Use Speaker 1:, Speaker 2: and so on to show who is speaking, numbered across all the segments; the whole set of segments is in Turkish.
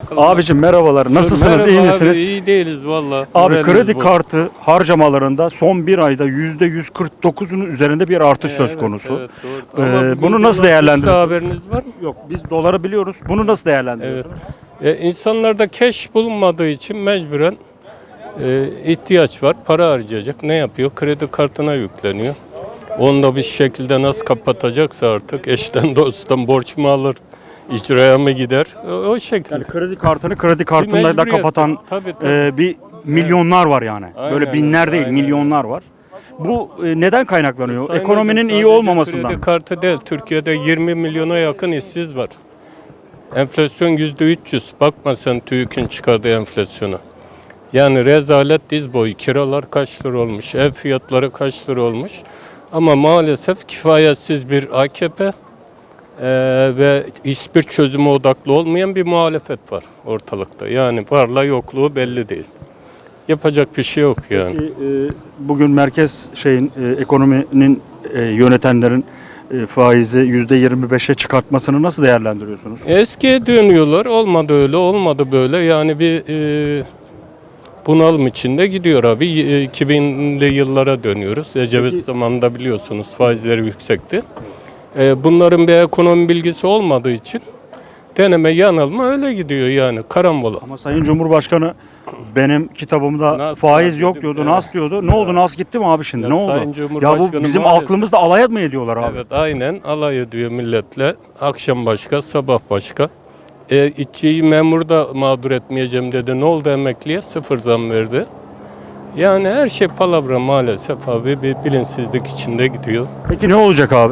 Speaker 1: bakalım.
Speaker 2: Abicim merhabalar. Nasılsınız?
Speaker 1: Merhaba
Speaker 2: iyi
Speaker 1: abi,
Speaker 2: misiniz?
Speaker 1: iyi değiliz valla.
Speaker 2: Abi
Speaker 1: Moralimiz
Speaker 2: kredi
Speaker 1: bozuk.
Speaker 2: kartı harcamalarında son bir ayda %149'un üzerinde bir artış söz
Speaker 1: Evet,
Speaker 2: konusu.
Speaker 1: evet, doğru. Ama bugün
Speaker 2: Bunu nasıl
Speaker 1: dolar
Speaker 2: değerlendiriyorsunuz?
Speaker 1: düştü, haberiniz var mı?
Speaker 2: Yok, biz doları biliyoruz. Bunu nasıl değerlendiriyorsunuz?
Speaker 1: İnsanlarda cash bulunmadığı için mecburen ihtiyaç var. Para harcayacak. Ne yapıyor? Kredi kartına yükleniyor. Onu da bir şekilde nasıl kapatacaksa artık eşten dosttan borç mu alır? İcraya mı gider? O şekilde.
Speaker 2: Yani kredi kartını kredi kartında da
Speaker 1: mecburiyet.
Speaker 2: kapatan
Speaker 1: Tabii, tabii.
Speaker 2: bir milyonlar var yani.
Speaker 1: Aynen
Speaker 2: Böyle binler
Speaker 1: öyle,
Speaker 2: değil,
Speaker 1: aynen
Speaker 2: milyonlar var. Bu neden kaynaklanıyor?
Speaker 1: Sayın
Speaker 2: Ekonominin
Speaker 1: hocam,
Speaker 2: iyi
Speaker 1: sadece
Speaker 2: olmamasından.
Speaker 1: Kredi kartı değil. Türkiye'de 20 milyona yakın işsiz var. Enflasyon %300. Bakma sen TÜİK'in çıkardığı enflasyona. Yani rezalet diz boyu. Kiralar kaç lira olmuş, ev fiyatları kaç lira olmuş. Ama maalesef kifayetsiz bir AKP ve hiçbir çözüme odaklı olmayan bir muhalefet var ortalıkta. Yani varla yokluğu belli değil. Yapacak bir şey yok yani.
Speaker 2: Peki, bugün merkez ekonominin yönetenlerin faizi %25'e çıkartmasını nasıl değerlendiriyorsunuz?
Speaker 1: Eskiye dönüyorlar. Olmadı öyle, olmadı böyle. Yani bir bunalım içinde gidiyor abi. 2000'li yıllara dönüyoruz. Ecevit
Speaker 2: Peki-
Speaker 1: zamanında biliyorsunuz faizleri yüksekti. Bunların bir ekonomi bilgisi olmadığı için deneme yanılma öyle gidiyor yani karambola.
Speaker 2: Ama Sayın Cumhurbaşkanı benim kitabımda
Speaker 1: Nas
Speaker 2: faiz
Speaker 1: var
Speaker 2: yok
Speaker 1: dedim,
Speaker 2: diyordu,
Speaker 1: evet.
Speaker 2: nas diyordu. Ne oldu? Nas gitti mi abi şimdi?
Speaker 1: Ya
Speaker 2: Ne oldu?
Speaker 1: Sayın
Speaker 2: Ya
Speaker 1: Cumhurbaşkanı
Speaker 2: bu bizim
Speaker 1: maalesef-
Speaker 2: aklımızda alay mı ediyorlar abi?
Speaker 1: Evet aynen alay ediyor milletle. Akşam başka, sabah başka. İşçiyi memur da mağdur etmeyeceğim dedi. Ne oldu emekliye? Sıfır zam verdi. Yani her şey palavra maalesef abi. Bir bilinçsizlik içinde gidiyor.
Speaker 2: Peki ne olacak abi?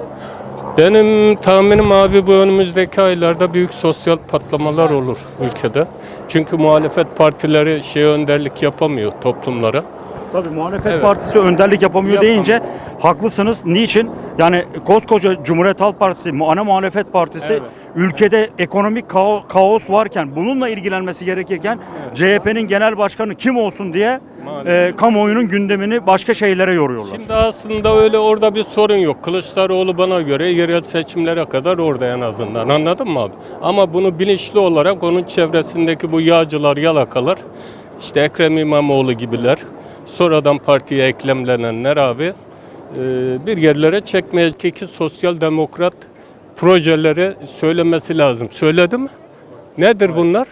Speaker 1: Benim tahminim abi bu önümüzdeki aylarda büyük sosyal patlamalar olur ülkede. Çünkü muhalefet partileri önderlik yapamıyor toplumlara.
Speaker 2: Tabii muhalefet
Speaker 1: Evet.
Speaker 2: partisi önderlik yapamıyor
Speaker 1: Yapamıyor.
Speaker 2: deyince haklısınız. Niçin? Yani koskoca Cumhuriyet Halk Partisi, ana muhalefet partisi
Speaker 1: Evet.
Speaker 2: ülkede ekonomik kaos varken, bununla ilgilenmesi gerekirken CHP'nin genel başkanı kim olsun diye
Speaker 1: Maalesef.
Speaker 2: kamuoyunun gündemini başka şeylere yoruyorlar.
Speaker 1: Şimdi aslında öyle orada bir sorun yok. Kılıçdaroğlu bana göre yerel seçimlere kadar orada en azından. Anladın mı abi? Ama bunu bilinçli olarak onun çevresindeki bu yağcılar, yalakalar, işte Ekrem İmamoğlu gibiler, sonradan partiye eklemlenenler abi bir yerlere çekmeye ki sosyal demokrat projeleri söylemesi lazım. Söyledi mi? Nedir bunlar?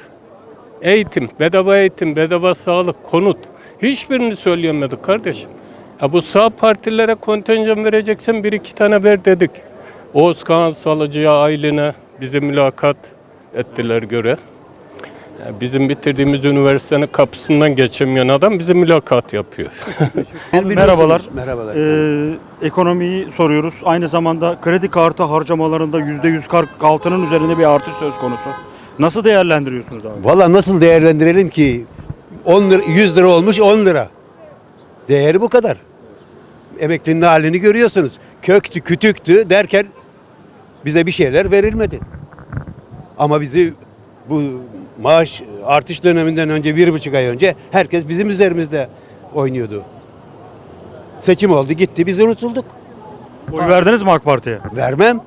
Speaker 1: Eğitim, bedava sağlık, konut. Hiçbirini söyleyemedik kardeşim. Ya bu sağ partilere kontenjan vereceksen bir iki tane ver dedik. Oğuz Kağan Salıcı'ya, Aylin'e bizi mülakat ettiler göre. Ya bizim bitirdiğimiz üniversitenin kapısından geçemeyen adam bize mülakat yapıyor.
Speaker 2: Merhabalar.
Speaker 3: Merhabalar.
Speaker 2: Ekonomiyi soruyoruz. Aynı zamanda kredi kartı harcamalarında %146'nın üzerinde bir artış söz konusu. Nasıl değerlendiriyorsunuz abi?
Speaker 3: Valla nasıl değerlendirelim ki 10 lira, 100 lira olmuş 10 lira. Değeri bu kadar. Emeklinin halini görüyorsunuz. Köktü, kütüktü derken bize bir şeyler verilmedi. Ama bizi bu maaş artış döneminden önce 1,5 ay önce herkes bizim üzerimizde oynuyordu. Seçim oldu gitti biz unutulduk.
Speaker 2: Oy verdiniz mi AK Parti'ye?
Speaker 3: Vermem.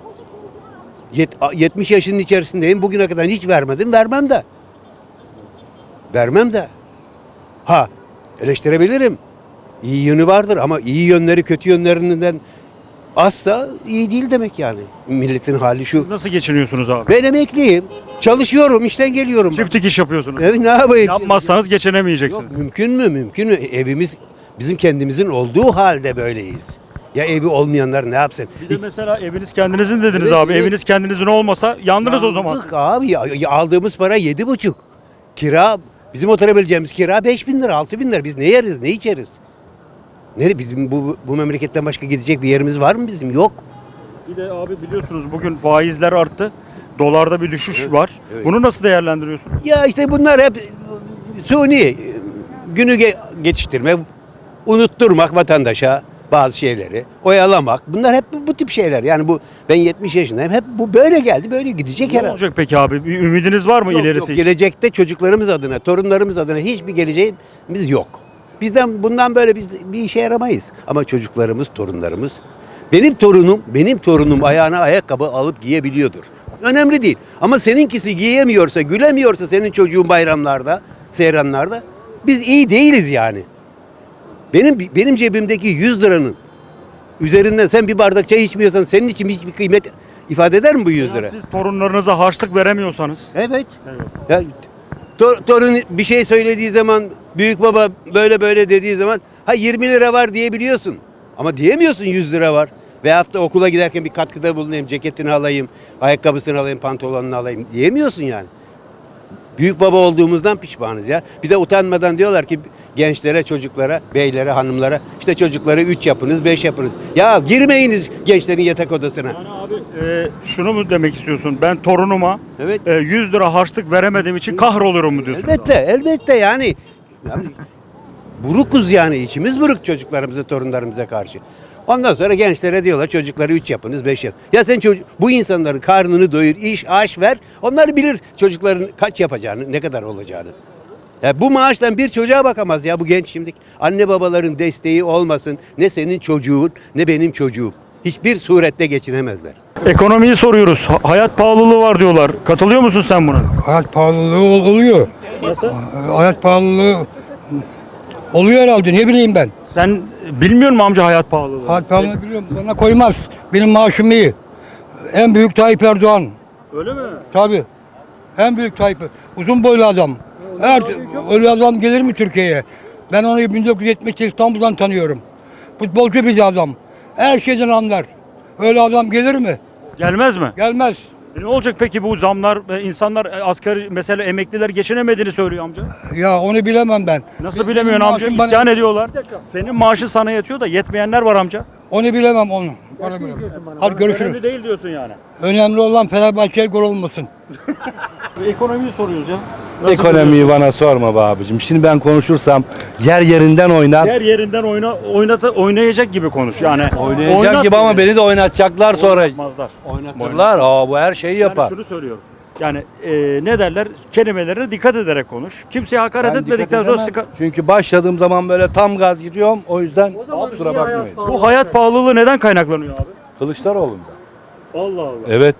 Speaker 3: 70 yaşının içerisindeyim. Bugüne kadar hiç vermedim. Vermem de. Vermem de. Ha, eleştirebilirim. İyi yönü vardır ama iyi yönleri kötü yönlerinden azsa iyi değil demek yani. Milletin hali şu.
Speaker 2: Siz nasıl geçiniyorsunuz abi?
Speaker 3: Ben emekliyim. Çalışıyorum, işten geliyorum.
Speaker 2: Çiftlik iş yapıyorsunuz.
Speaker 3: Evet, ne yapayım?
Speaker 2: Yapmazsanız geçinemeyeceksiniz.
Speaker 3: Yok, mümkün mü? Mümkün mü? Evimiz bizim kendimizin olduğu halde böyleyiz. Ya evi olmayanlar ne yapsın?
Speaker 2: Bir de mesela eviniz kendinizin dediniz
Speaker 3: Evet,
Speaker 2: abi.
Speaker 3: evet.
Speaker 2: Eviniz kendinizin olmasa yandınız o zaman.
Speaker 3: Yandık abi. Aldığımız para 7,5. Kira, bizim oturabileceğimiz kira 5.000 lira, 6.000 lira. Biz ne yeriz, ne içeriz? Bizim bu memleketten başka gidecek bir yerimiz var mı bizim? Yok.
Speaker 2: Bir de abi biliyorsunuz bugün faizler arttı. Dolarda bir düşüş var.
Speaker 3: evet.
Speaker 2: Bunu nasıl değerlendiriyorsunuz?
Speaker 3: Ya işte bunlar hep suni. Günü geçiştirme, unutturmak vatandaşa bazı şeyleri, oyalamak. Bunlar hep bu tip şeyler. Yani ben 70 yaşındayım. Hep bu böyle geldi, böyle gidecek
Speaker 2: Ne
Speaker 3: herhalde.
Speaker 2: olacak peki abi? Bir ümidiniz var mı
Speaker 3: Yok,
Speaker 2: ilerisi
Speaker 3: yok.
Speaker 2: için?
Speaker 3: Gelecekte çocuklarımız adına, torunlarımız adına hiçbir geleceğimiz yok. Bundan böyle biz bir işe yaramayız. Ama çocuklarımız, torunlarımız, benim torunum ayağına ayakkabı alıp giyebiliyordur. Önemli değil. Ama seninkisi giyemiyorsa, gülemiyorsa senin çocuğun bayramlarda, seyranlarda biz iyi değiliz yani. Benim cebimdeki 100 liranın üzerinden sen bir bardak çay içmiyorsan senin için hiçbir kıymet ifade eder mi bu 100 lira?
Speaker 2: Ya siz torunlarınıza harçlık veremiyorsanız.
Speaker 3: Evet. Ya, torun bir şey söylediği zaman, büyük baba böyle böyle dediği zaman 20 lira var diyebiliyorsun. Ama diyemiyorsun 100 lira var. Veyahut da okula giderken bir katkıda bulunayım, ceketini alayım, ayakkabısını alayım, pantolonunu alayım diyemiyorsun yani. Büyük baba olduğumuzdan pişmanız ya. Bir de utanmadan diyorlar ki gençlere, çocuklara, beylere, hanımlara işte çocukları 3 yapınız, 5 yapınız. Ya girmeyiniz gençlerin yatak odasına.
Speaker 2: Yani abi şunu mu demek istiyorsun? Ben torunuma
Speaker 3: Evet.
Speaker 2: 100 lira harçlık veremediğim için kahroluyorum mu diyorsun?
Speaker 3: Elbette yani burukuz yani, içimiz buruk çocuklarımıza, torunlarımıza karşı. Ondan sonra gençlere diyorlar çocukları 3 yapınız, 5 yapın. Ya sen bu insanların karnını doyur, iş, aş ver. Onlar bilir çocukların kaç yapacağını, ne kadar olacağını. Ya bu maaştan bir çocuğa bakamaz ya bu genç şimdi. Anne babaların desteği olmasın, ne senin çocuğun ne benim çocuğum. Hiçbir surette geçinemezler.
Speaker 2: Ekonomiyi soruyoruz. Hayat pahalılığı var diyorlar. Katılıyor musun sen buna?
Speaker 4: Hayat pahalılığı oluyor.
Speaker 2: Nasıl?
Speaker 4: Hayat pahalılığı oluyor herhalde, ne bileyim ben.
Speaker 2: Sen bilmiyor musun amca hayat pahalılığı?
Speaker 4: Hayat pahalılığı biliyorum, sana koymaz. Benim maaşım iyi. En büyük Tayyip Erdoğan.
Speaker 2: Öyle mi?
Speaker 4: Tabii. En büyük Tayyip. Uzun boylu adam. Evet, öyle adam gelir mi Türkiye'ye? Ben onu 1970'te İstanbul'dan tanıyorum. Futbolcu bir adam. Her şeyden anlar. Öyle adam gelir mi?
Speaker 2: Gelmez mi?
Speaker 4: Gelmez.
Speaker 2: Ne olacak peki bu zamlar? İnsanlar asgari mesela emekliler geçinemediğini söylüyor amca.
Speaker 4: Ya onu bilemem ben.
Speaker 2: Nasıl
Speaker 4: Benim
Speaker 2: bilemiyorsun amca?
Speaker 4: maaşım bana-
Speaker 2: İsyan ediyorlar. Senin maaşın sana yetiyor da yetmeyenler var amca.
Speaker 4: Onu bilemem onu. Onu bilemem. Hadi görüşürüz.
Speaker 2: Önemli değil diyorsun yani.
Speaker 4: Önemli olan Fenerbahçe'ye gol olmasın.
Speaker 2: Ekonomiyi soruyoruz ya. Nasıl
Speaker 5: Ekonomiyi
Speaker 2: buluyorsun?
Speaker 5: bana sorma be abicim. Şimdi ben konuşursam yer yerinden oynar.
Speaker 2: Her yerinden oynayacak gibi konuş. Yani
Speaker 5: Oynayacak
Speaker 2: oynat
Speaker 5: gibi ama
Speaker 2: yani.
Speaker 5: beni de oynatacaklar sonra.
Speaker 2: Oynatmazlar.
Speaker 5: Oynatırlar. Aa, bu her şeyi
Speaker 2: Yani
Speaker 5: yapar.
Speaker 2: şunu söylüyorum. Yani ne derler? Kelimelerine dikkat ederek konuş. Kimseye hakaret
Speaker 5: Ben
Speaker 2: etmedikten
Speaker 5: dikkat
Speaker 2: sonra
Speaker 5: edemem. Çünkü başladığım zaman böyle tam gaz gidiyorum. O yüzden kusura bakmayın.
Speaker 2: bu hayat pahalılığı neden kaynaklanıyor abi?
Speaker 5: Kılıçdaroğlu'nda.
Speaker 2: Allah Allah.
Speaker 5: Evet.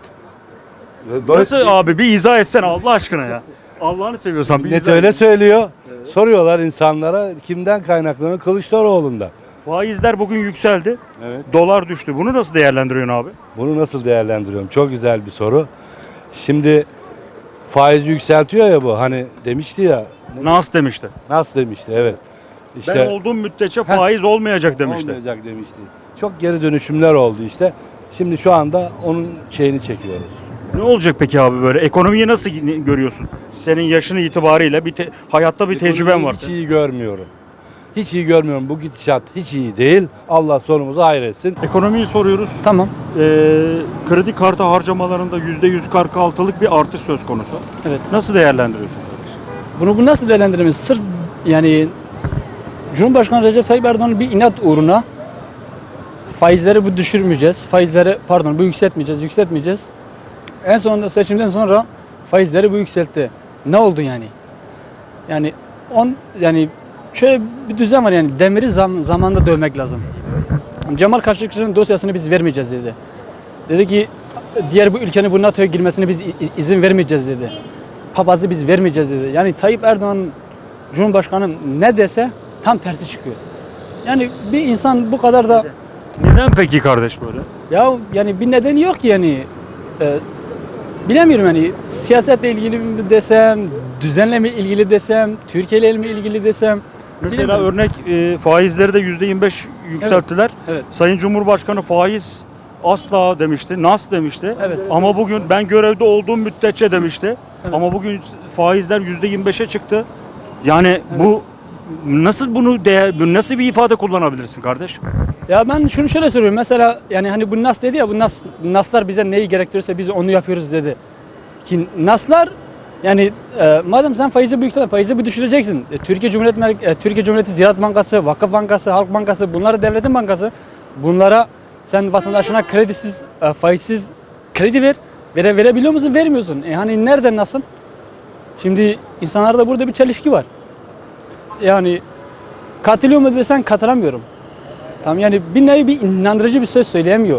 Speaker 2: Nasıl abi bir izah etsene Allah aşkına ya. Allah'ını seviyorsan bir
Speaker 5: Millet
Speaker 2: izah
Speaker 5: öyle
Speaker 2: et.
Speaker 5: söylüyor. Soruyorlar insanlara kimden kaynaklanıyor? Kılıçdaroğlu'nda.
Speaker 2: Faizler bugün yükseldi.
Speaker 5: Evet.
Speaker 2: Dolar düştü. Bunu nasıl değerlendiriyorsun abi?
Speaker 5: Bunu nasıl değerlendiriyorum? Çok güzel bir soru. Şimdi faiz yükseltiyor ya bu. Hani demişti ya.
Speaker 2: Nas demişti.
Speaker 5: Nasıl demişti? Evet. İşte
Speaker 2: Ben olduğum müddetçe faiz olmayacak demişti.
Speaker 5: olmayacak demişti. Çok geri dönüşümler oldu işte. Şimdi şu anda onun şeyini çekiyoruz.
Speaker 2: Ne olacak peki abi böyle? Ekonomiyi nasıl görüyorsun? Senin yaşın itibariyle hayatta bir tecrüben var.
Speaker 5: Hiç iyi görmüyorum. Hiç iyi görmüyorum. Bu gidişat hiç iyi değil. Allah sonumuzu hayretsin.
Speaker 2: Ekonomiyi soruyoruz.
Speaker 6: Tamam.
Speaker 2: Kredi kartı harcamalarında %146'lık bir artış söz konusu.
Speaker 6: Evet.
Speaker 2: Nasıl değerlendiriyorsun kardeşim?
Speaker 6: Bunu nasıl değerlendiremeyiz? Sırf yani Cumhurbaşkanı Recep Tayyip Erdoğan'ın bir inat uğruna faizleri bu düşürmeyeceğiz. Faizleri bu yükseltmeyeceğiz. En sonunda seçimden sonra faizleri bu yükseltti. Ne oldu yani? Yani şöyle bir düzen var yani demiri zamanında dövmek lazım. Cemal Kaşıkçı'nın dosyasını biz vermeyeceğiz dedi. Dedi ki diğer bu ülkenin bu NATO'ya girmesine biz izin vermeyeceğiz dedi. Papazı biz vermeyeceğiz dedi. Yani Tayyip Erdoğan Cumhurbaşkanı ne dese tam tersi çıkıyor. Yani bir insan bu kadar da
Speaker 2: Neden peki kardeş böyle?
Speaker 6: ya yani bir nedeni yok ki yani. Bilemiyorum yani siyasetle ilgili mi desem, düzenle ilgili desem, Türkiye ile mi ilgili desem.
Speaker 2: Mesela
Speaker 6: bilemiyorum.
Speaker 2: örnek faizleri de %25 yükselttiler.
Speaker 6: Evet.
Speaker 2: Sayın Cumhurbaşkanı faiz asla demişti, nas demişti.
Speaker 6: Evet.
Speaker 2: Ama bugün ben görevde olduğum müddetçe demişti.
Speaker 6: Evet.
Speaker 2: Ama bugün faizler %25'e çıktı. Yani bu nasıl bir ifade kullanabilirsin kardeş?
Speaker 6: Ya ben şunu şöyle söylüyorum. Mesela yani hani bu nas dedi ya bu naslar bize neyi gerektiriyorsa biz onu yapıyoruz dedi. Ki naslar yani madem sen faizi bu yükselteceksin, faizi bu düşüreceksin. Türkiye Cumhuriyeti Ziraat Bankası, Vakıf Bankası, Halk Bankası bunlar devletin bankası. Bunlara sen vatandaşına kredisiz, faizsiz kredi verebiliyor musun? Vermiyorsun. Hani nereden nasıl? Şimdi insanlarda burada bir çelişki var. Yani katılıyor mu desen katılamıyorum. Tamam yani bir nevi bir inandırıcı bir söz söyleyemiyor.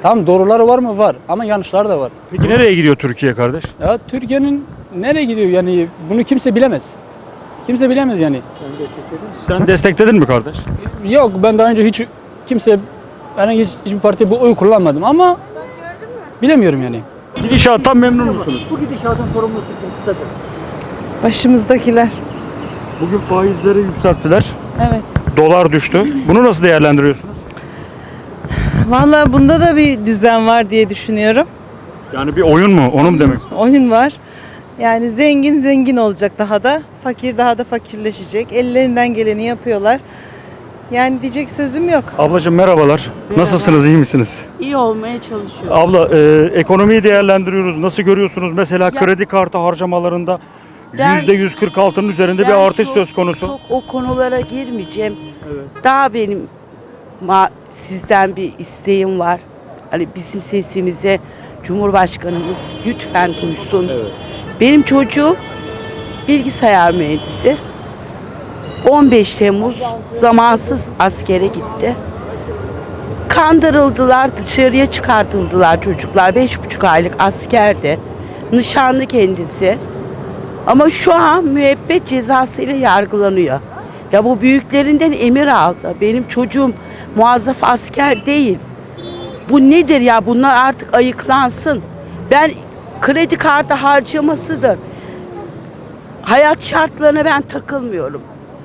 Speaker 6: Tamam, doğruları var mı? Var. Ama yanlışları da var.
Speaker 2: Peki nereye gidiyor Türkiye kardeş?
Speaker 6: Ya Türkiye'nin nereye gidiyor yani bunu kimse bilemez. Kimse bilemez yani.
Speaker 2: Sen destekledin mi kardeş?
Speaker 6: Yok, ben daha önce hiç kimse herhangi hiçbir parti bu oy kullanmadım ama bilemiyorum yani.
Speaker 2: Gidişattan memnun musunuz?
Speaker 6: Bu gidişatın sorumlusu kimsedir.
Speaker 7: Başımızdakiler.
Speaker 2: Bugün faizleri yükselttiler.
Speaker 7: Evet.
Speaker 2: Dolar düştü. Bunu nasıl değerlendiriyorsunuz?
Speaker 7: Vallahi bunda da bir düzen var diye düşünüyorum.
Speaker 2: Yani bir oyun mu? Onu mu demek istiyorsun?
Speaker 7: Oyun var. Yani zengin zengin olacak daha da. Fakir daha da fakirleşecek. Ellerinden geleni yapıyorlar. Yani diyecek sözüm yok.
Speaker 2: Ablacığım merhabalar. Nasılsınız? İyi misiniz?
Speaker 8: İyi olmaya çalışıyorum.
Speaker 2: Abla ekonomiyi değerlendiriyoruz. Nasıl görüyorsunuz? Mesela
Speaker 8: Ya-
Speaker 2: kredi kartı harcamalarında
Speaker 8: Ben-
Speaker 2: %146'nın üzerinde bir
Speaker 8: Ben
Speaker 2: artış
Speaker 8: çok-
Speaker 2: söz konusu.
Speaker 8: Çok o konulara girmeyeceğim. Daha benim sizden bir isteğim var. Hani bizim sesimize Cumhurbaşkanımız lütfen duysun. Benim çocuğum bilgisayar mühendisi. 15 Temmuz zamansız askere gitti. Kandırıldılar, dışarıya çıkartıldılar çocuklar. 5,5 aylık askerde. Nişanlı kendisi. Ama şu an müebbet cezasıyla yargılanıyor. Ya bu büyüklerinden emir aldı. Benim çocuğum muazzaf asker değil. Bu nedir ya? Bunlar artık ayıklansın. Ben kredi kartı harcamasıdır. Hayat şartlarına ben takılmıyorum.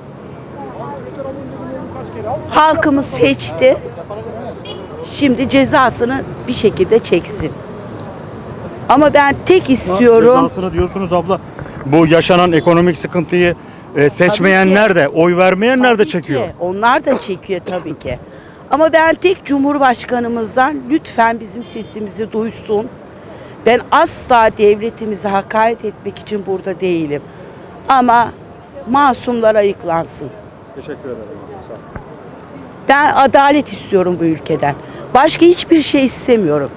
Speaker 8: Halkımız seçti. Şimdi cezasını bir şekilde çeksin. Ama ben tek istiyorum.
Speaker 2: Cezasını diyorsunuz abla. Bu yaşanan ekonomik sıkıntıyı seçmeyenler de, oy vermeyenler de
Speaker 8: Tabii
Speaker 2: çekiyor.
Speaker 8: ki, onlar da çekiyor tabii ki. Ama ben tek Cumhurbaşkanımızdan lütfen bizim sesimizi duysun. Ben asla devletimize hakaret etmek için burada değilim. Ama masumlar ayıklansın.
Speaker 2: Teşekkür ederim. Sağ olun.
Speaker 8: Ben adalet istiyorum bu ülkeden. Başka hiçbir şey istemiyorum.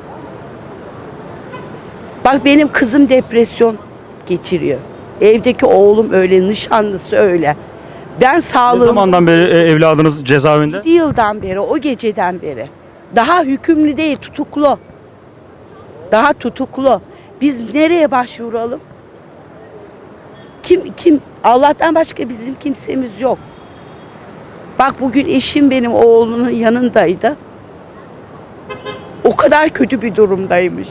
Speaker 8: Bak benim kızım depresyon geçiriyor. Evdeki oğlum öyle, nişanlısı öyle. Ben
Speaker 2: Ne
Speaker 8: sağlığım...
Speaker 2: zamandan beri evladınız cezaevinde?
Speaker 8: 7 yıldan beri, o geceden beri. Daha hükümlü değil, tutuklu. Daha tutuklu. Biz nereye başvuralım? Kim? Allah'tan başka bizim kimsemiz yok. Bak bugün eşim benim oğlunun yanındaydı. O kadar kötü bir durumdaymış.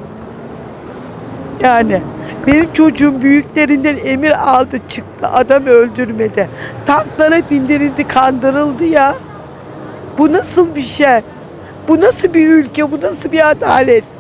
Speaker 8: Yani benim çocuğum büyüklerinden emir aldı çıktı. Adam öldürmedi. Tanklara bindirildi, kandırıldı ya. Bu nasıl bir şey? Bu nasıl bir ülke? Bu nasıl bir adalet?